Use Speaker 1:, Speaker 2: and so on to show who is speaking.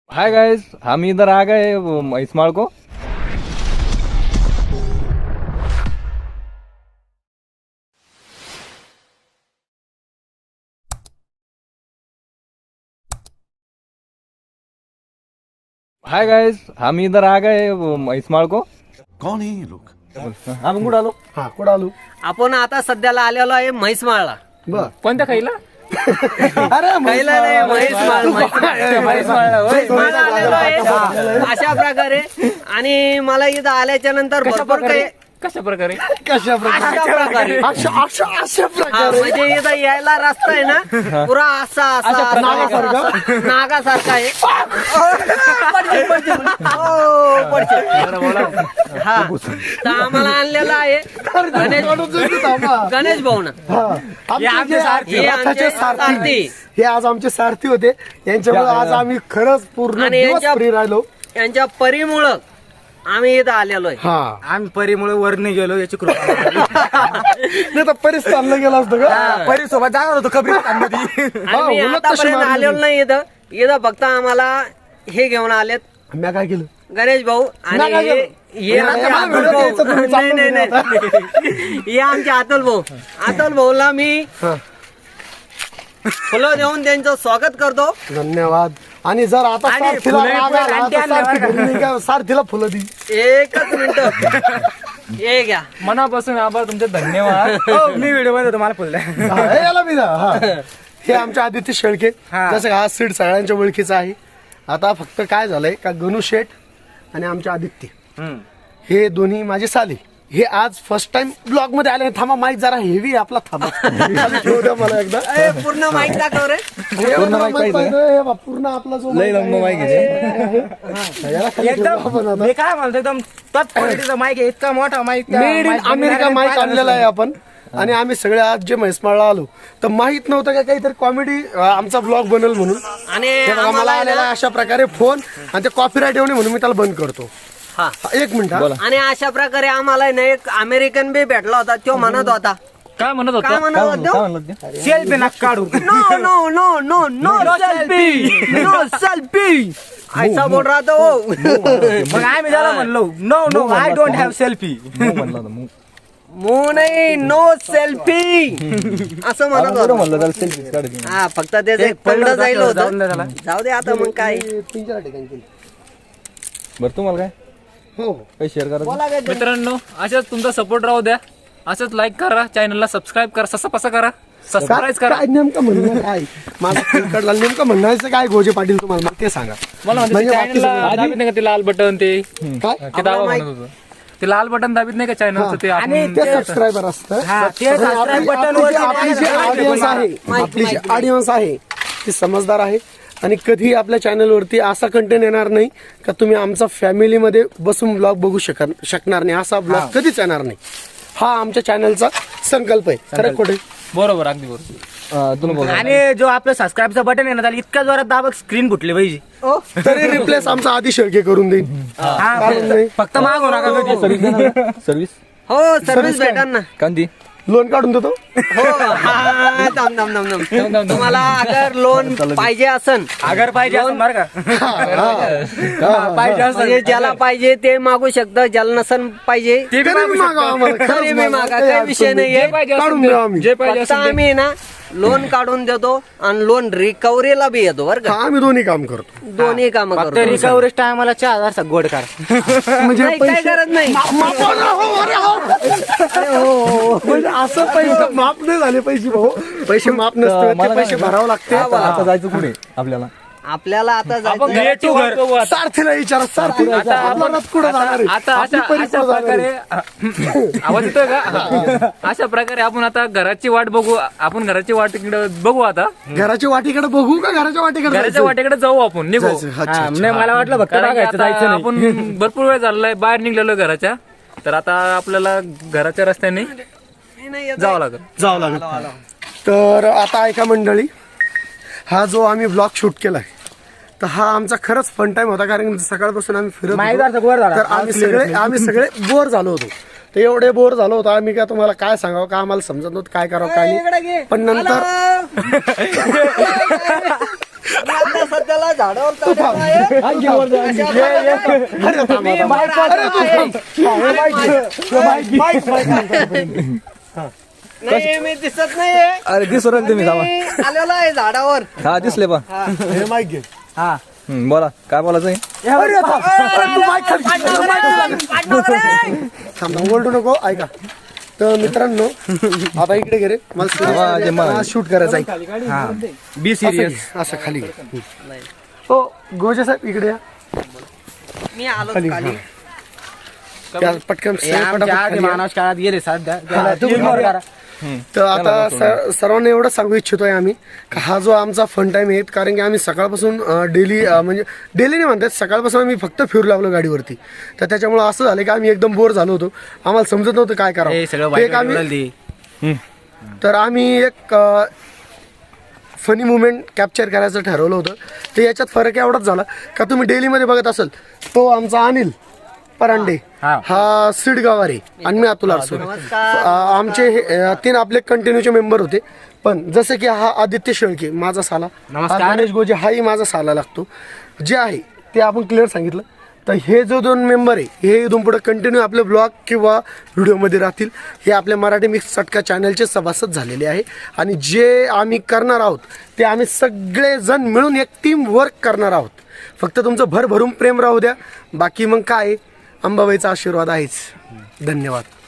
Speaker 1: Hi guys, हम इधर आ गए इस्माइल को। हाय गाइस, हम इधर आ गए इस्माइल को।
Speaker 2: कौन है ये लोग?
Speaker 1: हम कुठं आलो?
Speaker 3: हा कुठं आलो?
Speaker 4: आपण आता सध्याला आलेलो आहे म्हैसमाळला.
Speaker 3: बर
Speaker 1: कोणत्या खाईला?
Speaker 3: अरे
Speaker 4: पहिला नाही म्हैसमाळला आलेलो आहे अशा प्रकारे. आणि मला इथं आल्याच्या नंतर भरपूर काही
Speaker 1: कशा प्रकारे?
Speaker 3: कशा प्रकारे?
Speaker 4: अशा प्रकारे
Speaker 3: अशा
Speaker 4: हा,
Speaker 3: प्रकारे
Speaker 4: म्हणजे इथं यायला रस्ता आहे ना पुरा असा असा नागासारखा आहे. पडशील, पडशील. हो, पडशील. हा तर आम्हाला आणलेला आहे गणेश भाऊ ना.
Speaker 3: हे आमचे
Speaker 4: आमचे सारथी.
Speaker 3: हे आज आमचे सारथी होते. यांच्यामुळे आज आम्ही खरंच पूर्ण
Speaker 4: आणि
Speaker 3: दिवस फ्री राहिलो.
Speaker 4: यांच्या परीमुळं आम्ही इथं आलेलो आहे.
Speaker 3: हा
Speaker 5: आम्ही परीमुळे वर नाही गेलो याची कृपा.
Speaker 3: नाही तर परिस्थितीला गेला असतो का?
Speaker 5: परी सोबत जाणार होतो कब्रिस्तान मध्ये.
Speaker 4: आणि मी
Speaker 3: उलट तशी
Speaker 4: आतापर्यंत
Speaker 3: मारली.
Speaker 4: आलेलो नाही इथं. इथं फक्त आम्हाला हे घेऊन आलेत
Speaker 3: मी काय केलं?
Speaker 4: गणेश भाऊ आणि
Speaker 3: नका घेऊ.
Speaker 4: हे आमचे
Speaker 3: नका
Speaker 4: अतुल
Speaker 3: घेऊ.
Speaker 4: भाऊ.
Speaker 3: तुम्ही
Speaker 4: नाही
Speaker 3: चालू
Speaker 4: नाही
Speaker 3: नका.
Speaker 4: नाही हे आमचे अतुल भाऊ. अतुल भाऊला मी फुलं देऊन त्यांचं स्वागत करतो.
Speaker 3: धन्यवाद. आणि जर आता
Speaker 4: आणि
Speaker 3: सारथीला
Speaker 5: फुलं
Speaker 3: राग आला
Speaker 5: आणते
Speaker 3: तर
Speaker 5: आणले
Speaker 3: सारथी
Speaker 5: बरं का?
Speaker 3: घरी नाही का? सारथीला फुलं दी.
Speaker 4: एकच मिनिट हे घ्या.
Speaker 1: मनापासून आभार तुमचे, धन्यवाद.
Speaker 5: मी व्हिडिओ मध्ये तुम्हाला बोललाय.
Speaker 3: हा, हे याला बी द्या. हा. हे आमचे आदित्य शेळके.
Speaker 5: हा.
Speaker 3: जसं हा सीट सगळ्यांच्या ओळखीचा आहे. आता फक्त काय झालंय का गणू शेठ आणि आमचे आदित्य हे दोन्ही माझे साले हे आज फर्स्ट टाइम ब्लॉग मध्ये आले. थांबा, माईक जरा हेवी आपला. थांबा खाली ठेवू द्या मला एकदा.
Speaker 4: ए, पूर्ण माहिती दाखव रे.
Speaker 3: पूर्ण mic पाहिजे. हे बघ, पूर्ण आपला जो
Speaker 1: लय लंब
Speaker 3: mic
Speaker 1: mic
Speaker 3: आहे. याला खाली ठेवू आपण
Speaker 5: एकदम
Speaker 3: आता.
Speaker 5: मी काय म्हणतो एकदम तोच क्वालिटीचा माईक आहे. इतका मोठा mic.
Speaker 3: Made in America mic आणलेला आहे आपण. आणि आम्ही सगळे आज जे म्हैसमाळला आलो तर माहित नव्हतं का काहीतरी कॉमेडी आमचा ब्लॉग बनल म्हणून.
Speaker 4: आणि
Speaker 3: हे बघा, मला
Speaker 4: आम्हाला
Speaker 3: आलेला
Speaker 4: ना-
Speaker 3: अशा प्रकारे फोन आणि ते कॉपीराईट येऊ नये म्हणून मी त्याला बंद करतो.
Speaker 4: हा.
Speaker 3: एक मिनिट हा.
Speaker 4: आणि अशा प्रकारे आम्हाला ना एक अमेरिकन बी भेटला होता. तो म्हणत होता
Speaker 1: काय म्हणत होता?
Speaker 4: काय म्हणत
Speaker 1: काय
Speaker 4: होता?
Speaker 1: म्हणत होता?
Speaker 5: सेल्फी नका काढू.
Speaker 4: No no no no no selfie no selfie ऐसा बोल रहा था वो.
Speaker 5: मग आम्ही त्याला म्हणलो no no I don't have selfie.
Speaker 1: मूग म्हणला होता, मूग.
Speaker 4: मू नाही नो सेल्फी असं म्हणत
Speaker 1: बरं
Speaker 4: होता.
Speaker 1: म्हणलं त्याला selfies काढायची.
Speaker 4: हा फक्त त्याचं एक पडलं जाईल
Speaker 5: जाऊन
Speaker 4: होतं.
Speaker 5: दे त्याला.
Speaker 4: जाऊ दे आता मग काय.
Speaker 3: 3-4 ठिकाणी केली.
Speaker 1: बरं तुम्हाला काय
Speaker 3: हो
Speaker 1: काही शेअर करायचं?
Speaker 4: बोला काय ते.
Speaker 6: मित्रांनो, अशाच तुमचा सपोर्ट राहू द्या. असंच लाईक करा, चॅनलला सबस्क्राईब करा, ससा पसा करा, सबस्क्राईब करा.
Speaker 3: काय नेमकं म्हणणं काय माझं तिकडला नेमकं म्हणायचं काय गोजे पाटील तुम्हाला मला ते सांगा.
Speaker 6: मला म्हणते
Speaker 3: म्हणजे
Speaker 6: चॅनलला
Speaker 3: बाकी
Speaker 6: दाबीत नाही का ते लाल बटन ते
Speaker 3: काय
Speaker 6: ते दाबा म्हणत होतं. ते लाल बटन दाबीत नाही का चॅनलचं ते
Speaker 5: आणि
Speaker 6: आपण-
Speaker 3: ते सबस्क्रायबर असतं.
Speaker 5: हा, ते सबस्क्राईब बटन
Speaker 3: आपली जी ऑडियन्स आहे आपली जी ऑडियन्स आहे ती समजदार आहे. आणि कधी आपल्या चॅनलवरती असा कंटेंट येणार नाही का तुम्ही आमचा फॅमिलीमध्ये बसून ब्लॉग बघू शकणार नाही. असा ब्लॉग कधीच येणार नाही. हा आमच्या चॅनलचा संकल्प आहे. खरं खोटे?
Speaker 6: बरोबर, अगदी बरोबर.
Speaker 1: तुम्ही बोला.
Speaker 5: आणि जो आपलं सबस्क्राईबचं बटन आहे ना त्याला इतका जोरात दाबक स्क्रीन फुटली पाहिजे.
Speaker 3: तरी रिप्लेस आमचा आधी शेळके करून देईन. कारण नाही
Speaker 5: फक्त मागू नका कधी.
Speaker 1: सर्व्हिस
Speaker 4: हो सर्व्हिस भेटा ना.
Speaker 1: कांदी
Speaker 3: लोन काढून देतो.
Speaker 4: हो हा, दम दम दम दम. तुम्हाला अगर लोन पाहिजे असन
Speaker 5: अगर पाहिजे असं बरं का. पाहिजे असं
Speaker 4: म्हणजे ज्याला पाहिजे ते मागू शकतं, ज्याला नसन पाहिजे
Speaker 5: ते बी
Speaker 3: तरी
Speaker 5: मागू
Speaker 3: मागा आम्हाला.
Speaker 4: तरी
Speaker 3: खरंच
Speaker 4: मी
Speaker 3: मागा.
Speaker 4: मागा,
Speaker 3: काही
Speaker 4: काही विषय
Speaker 3: अडचण नाही.
Speaker 4: नाहीये.
Speaker 3: काढून देऊ आम्ही.
Speaker 6: जे पाहिजे
Speaker 4: फक्त
Speaker 6: असेल ते.
Speaker 4: आम्ही ना लोन काढून देतो आणि लोन रिकव्हरीला बी येतो बरं का.
Speaker 3: हा, आम्ही दोन्ही काम करतो.
Speaker 4: दोन्ही काम
Speaker 5: फक्त
Speaker 4: करतो.
Speaker 5: रिकव्हरी टायमाला 4000 गोड करा.
Speaker 3: म्हणजे
Speaker 4: नाही, काय गरज नाही.
Speaker 3: म्हणजे असं पैसे माफ नाही झाले पैसे भाऊ. पैसे माफ नसते
Speaker 1: मला
Speaker 3: पैसे
Speaker 1: काय
Speaker 3: भरावं लागते.
Speaker 1: आता जायचं पुढे आपल्याला.
Speaker 4: आपल्याला आता
Speaker 6: आपण
Speaker 4: जायचं
Speaker 6: घराची वाट बघू आता.
Speaker 3: सारथीला विचारा. सारथीला
Speaker 6: आता
Speaker 3: आपला
Speaker 6: आपण-
Speaker 3: रथ कुठं जाणार आहे?
Speaker 6: आता
Speaker 3: आपली
Speaker 6: अशा
Speaker 3: परी
Speaker 6: अशा
Speaker 3: कुठं जाणार
Speaker 6: प्रकारे
Speaker 3: आहे?
Speaker 6: आवाज येतोय का? अशा प्रकारे आपण आता घराची वाट बघू. आपण घराची वाट इकडे बघू आता.
Speaker 3: घराच्या वाटीकडे बघू का घराच्या वाटीकडे
Speaker 6: घराच्या
Speaker 3: जायचं?
Speaker 6: वाटेकडे जाऊ आपण, निघू.
Speaker 3: जायचं. अच्छा,
Speaker 5: हा,
Speaker 3: अच्छा.
Speaker 5: नाही मला वाटलं फक्त
Speaker 6: कारण की
Speaker 5: बघायचं
Speaker 6: आता
Speaker 5: जायचं नाही.
Speaker 6: आपण भरपूर वेळ झालेला बाहेर निघलेलो घराच्या. तर आता आपल्याला घराच्या रस्त्याने जावं लागेल.
Speaker 3: जावं लागेल. तर आता ऐका मंडळी, हा जो आम्ही ब्लॉग शूट केलाय तर हा आमचा खरंच फन टाइम होता. कारण सकाळपासून आम्ही फिरत
Speaker 5: माहितगारचा
Speaker 3: होतो.
Speaker 5: बोर झाला.
Speaker 3: तर आम्ही सगळे बोर झालो होतो. तर एवढे बोर झालो होतो आम्ही का तुम्हाला काय सांगावं का आम्हाला समजत नव्हतं काय करावं काय नाही. पण नंतर
Speaker 4: मी आता सध्याला झाडावर चढलेलो आहे. अशा प्रकारे मी वर आलेलो आहे. नाही मी दिसत नाहीये.
Speaker 1: अरे दिसू राहिले तुम्ही थांबा.
Speaker 4: मी आलेलो आहे झाडावर.
Speaker 1: हा दिसले पण
Speaker 3: हे माईक घे.
Speaker 1: बोला काय बोलायचं
Speaker 3: थांबा ओरडू नको ऐका. तर मित्रांनो आता इकडे घे रे मला शूट करायचं आहे.
Speaker 5: Be serious.
Speaker 3: असं खाली घे. हो गोजे साहेब इकडे या.
Speaker 4: मी आलो खाली.
Speaker 3: त्या पटकन
Speaker 5: आमच्या आधी
Speaker 3: खाली या.
Speaker 5: मानस काळात गेले सध्या
Speaker 3: हा, तुम्ही
Speaker 5: ignore करा.
Speaker 3: तर आता सर्वांना एवढं सांगू इच्छितोय आम्ही का हा जो आमचा फन टाइम आहे कारण की आम्ही सकाळपासून डेली म्हणजे डेली नाही म्हणतात सकाळपासून आम्ही फक्त फिरू लागलो गाडीवरती. तर त्याच्यामुळे असं झालं की आम्ही एकदम बोर झालो होतो. आम्हाला समजत नव्हतं काय
Speaker 5: हे सगळं
Speaker 3: करावं. ते एक
Speaker 5: वाईट
Speaker 3: आम्ही
Speaker 5: उडलती.
Speaker 3: तर आम्ही एक फनी मुवमेंट कॅप्चर करायचं ठरवलं होतं. तर याच्यात फरक एवढाच झाला का तुम्ही डेलीमध्ये बघत असाल तो आमचा अनिल परांडे हा सिडगावारे आणि मी अतुल आरसोड. आमचे हे 3 आपले कंटिन्यूचे मेंबर होते. पण जसं की हा आदित्य शेळके माझा साला, हा गणेश गोजे हाही माझा साला लागतो. जे आहे ते आपण क्लिअर सांगितलं. तर हे जो 2 मेंबर आहे हे इथून पुढे कंटिन्यू आपले ब्लॉग किंवा व्हिडिओमध्ये राहतील. हे आपल्या मराठी मिक्स चटका चॅनलचे सभासद झालेले आहे. आणि जे आम्ही करणार आहोत ते आम्ही सगळेजण मिळून एक टीम वर्क करणार आहोत. फक्त तुमचं भरभरून प्रेम राहू द्या. बाकी मग काय अंबाबाईचा आशीर्वाद आहेच. धन्यवाद.